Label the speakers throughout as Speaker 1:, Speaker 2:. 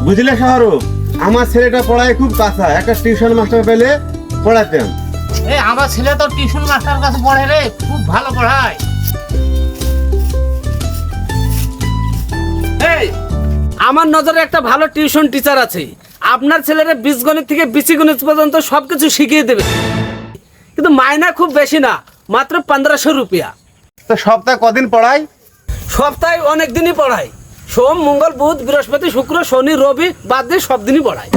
Speaker 1: বুঝলে শাহরুখ, আমার ছেলেটা পড়ায় খুব কাঁচা, একটা টিউশন মাস্টার পেলে পড়াতাম।
Speaker 2: আমার ছেলে তো টিউশন মাস্টার কাছে পড়ে রে, খুব ভালো পড়ায়।
Speaker 3: আমার নজরে একটা ভালো টিউশন টিচার আছে, আপনার ছেলেরা বীজগণিত থেকে বিচিগণিত পর্যন্ত সবকিছু শিখিয়ে দেবে, কিন্তু মাইনা খুব বেশি না, মাত্র 1500 রুপিয়া।
Speaker 1: তা সপ্তাহে কদিন পড়ায়?
Speaker 3: সপ্তাহে অনেক দিনই পড়ায়, সোম মঙ্গল বুধ বৃহস্পতি শুক্র শনি রবি বাদ দিয়ে সব দিনই পড়ায়।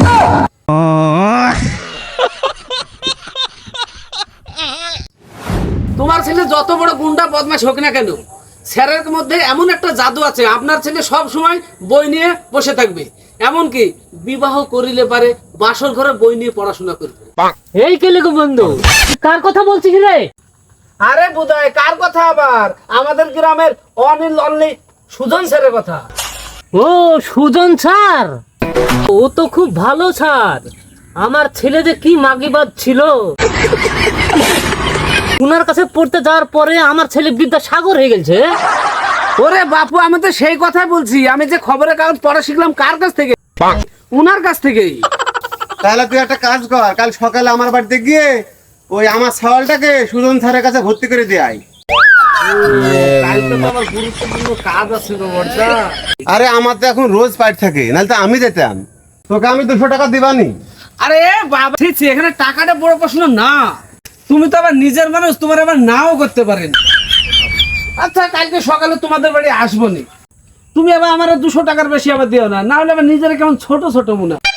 Speaker 3: তোমার ছেলে যত বড় গুন্ডা বদমাশ হোক না কেন, স্যারের মধ্যে এমন একটা জাদু আছে, আপনার ছেলে সব সময় বই নিয়ে বসে থাকবে, এমনকি বিবাহ করিলে পারে বাসর ঘরে বই নিয়ে পড়াশোনা করবে।
Speaker 2: এই কেলে গো বন্ধু, কার কথা বলছিস রে?
Speaker 3: আরে বুধায় কার কথা, আবার আমাদের গ্রামের অনিল অনলি সুজন স্যারের কথা।
Speaker 2: ও সুজন স্যার, ও তো খুব ভালো স্যার। আমার ছেলে যে কি মাগিবাদ ছিল, উনার কাছে পড়তে যাওয়ার পরে আমার ছেলে বিদ্যা সাগর হয়ে গেছে।
Speaker 3: ওরে বাপু, আমি তো সেই কথাই বলছি, আমি যে খবরের কাগজ পড়া শিখলাম কার কাছ থেকে? উনার কাছ থেকেই।
Speaker 1: তাহলে তুই একটা কাজ কর, কাল সকালে আমার বাড়িতে গিয়ে ওই আমার ছাওয়ালটাকে সুজন স্যারের কাছে ভর্তি করে দিয়ে আয়।
Speaker 3: কালকে তো আমার গুরুত্বপূর্ণ কাজ আছে গো বড়দা।
Speaker 1: আরে আমার তো এখন রোজ পাইট থাকে, নাহলে তো আমি যেতাম, তোকে আমি 200 টাকা দিবানি।
Speaker 3: আরে বাবা ঠিক আছে, এখানে টাকাটা বড় প্রশ্ন না, তুমি তো আবার নিজের মানুষ, তোমার আবার নাও করতে পারেন। আচ্ছা কালকে সকালে তোমাদের বাড়ি আসবো নি, তুমি আবার আমার 200 টাকার বেশি আবার দিও না, না হলে আবার নিজের কেমন ছোট ছোট মনে হয়।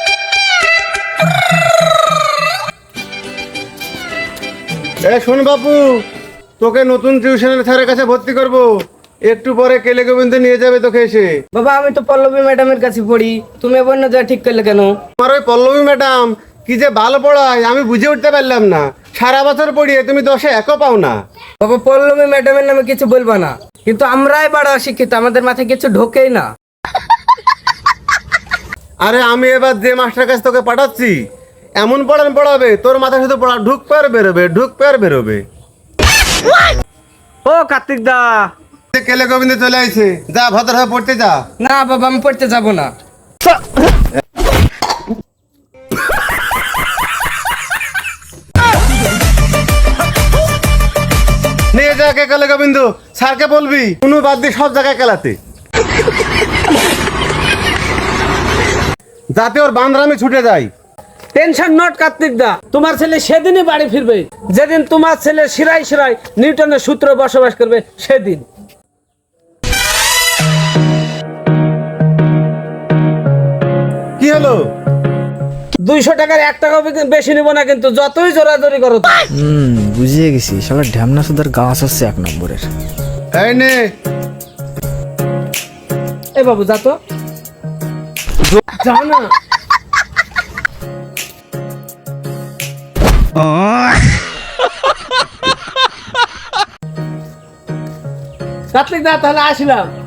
Speaker 1: শোন বাপু, তোকে নতুন টিউশনের স্যারের কাছে ভর্তি করব, একটু পরে কেলে গোবিন্দ নিয়ে যাবে তোকে এসে।
Speaker 4: বাবা আমি তো পল্লবী ম্যাডামের কাছে পড়ি, তুমি এবার না যা ঠিক করলে কেন?
Speaker 1: আমার ওই পল্লবী ম্যাডাম কি যে ভালো পড়ায় আমি বুঝে উঠতে পারলাম না, সারা বছর পড়িয়ে তুমি 10-এ 1-ও পাও না।
Speaker 4: বাবা পল্লবী ম্যাডামের নামে কিছু বলবা না, কিন্তু আমরাই বড় শিক্ষিত, আমাদের মাথায় কিছু ঢোকেই না।
Speaker 1: আরে আমি এবার যে মাস্টার কাছে তোকে পাঠাচ্ছি এমন পড়াবে তোর মাথায় শুধু পড়া ঢুক পেয়ার বেরোবে, ঢুক পেয়ার বেরোবে।
Speaker 3: ও কার্তিক দা,
Speaker 1: কেলে গোবিন্দ চলে আইছে, যা ভদ্রভাবে পড়তে যা।
Speaker 4: না বাবা আমি পড়তে যাব না।
Speaker 1: নিয়ে যা কে কেলে গোবিন্দ, স্যারকে বলবি কোনো বাদ দিয়ে সব জায়গায় কেলাতে, যাতে ওর বান্দরামি ছুটে যায়।
Speaker 3: টেনশন নট কার্তিক দা, তোমার ছেলে সেদিনই বাড়ি ফিরবে যেদিন তোমার ছেলে শিরায় শিরায় নিউটনের সূত্রে বসবাস করবে সেদিন।
Speaker 1: কি হলো?
Speaker 3: 200 টাকার 1 টাকাও বেশি নিব না, কিন্তু যতই জোরাজোরি করো।
Speaker 5: বুঝিয়ে গেছি, শালা ঢ্যামনা সুদার গাছ হচ্ছে 1 নম্বরের।
Speaker 1: এই নে।
Speaker 3: এ বাবু যা তো, যা না। কার্তিক দা তাহলে আসলাম।